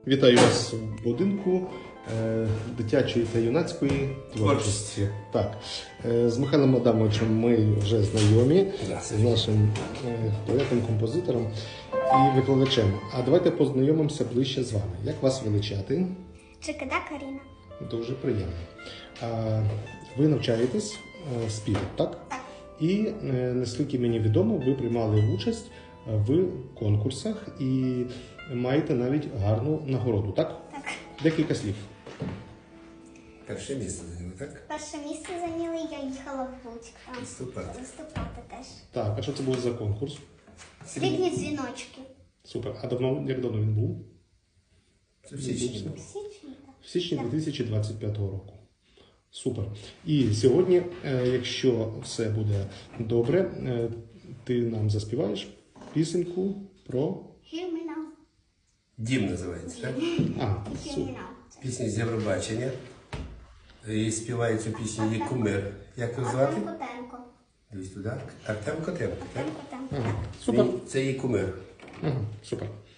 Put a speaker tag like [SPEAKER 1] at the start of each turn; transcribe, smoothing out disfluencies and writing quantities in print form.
[SPEAKER 1] Вітаю вас в будинку дитячої та юнацької творчості. Так, з Михайлом Адамовичем ми вже знайомі, з нашим поетом, композитором і викладачем. А давайте познайомимося ближче з вами. Як вас величати?
[SPEAKER 2] Чикида Каріна.
[SPEAKER 1] Дуже приємно. Ви навчаєтесь співу, так?
[SPEAKER 2] Так.
[SPEAKER 1] І, наскільки мені відомо, ви приймали участь в конкурсах і маєте навіть гарну нагороду, так?
[SPEAKER 2] Так.
[SPEAKER 1] Декілька слів.
[SPEAKER 3] Перше місце зайняли, так?
[SPEAKER 2] Перше місце зайняли, я їхала в Луцьк там
[SPEAKER 3] Виступати.
[SPEAKER 2] виступати теж.
[SPEAKER 1] Так, а що це був за конкурс?
[SPEAKER 2] Срібні дзвіночки.
[SPEAKER 1] Супер. А як давно він був?
[SPEAKER 3] Це в січні.
[SPEAKER 2] В січні, так.
[SPEAKER 1] В січні 2025 року. Супер. І сьогодні, якщо все буде добре, ти нам заспіваєш пісеньку про...
[SPEAKER 2] Hear me now.
[SPEAKER 3] Дім називається, так?
[SPEAKER 1] А,
[SPEAKER 2] Hear me
[SPEAKER 1] супер.
[SPEAKER 2] now.
[SPEAKER 3] Пісня з Євробачення. І співає цю пісню її кумир. Як його звати?
[SPEAKER 2] Артем Котенко.
[SPEAKER 3] Дивись туди. Артем Котенко, так?
[SPEAKER 2] Артем Котенко.
[SPEAKER 1] Ага, супер.
[SPEAKER 3] Це її кумир.
[SPEAKER 1] Ага, супер.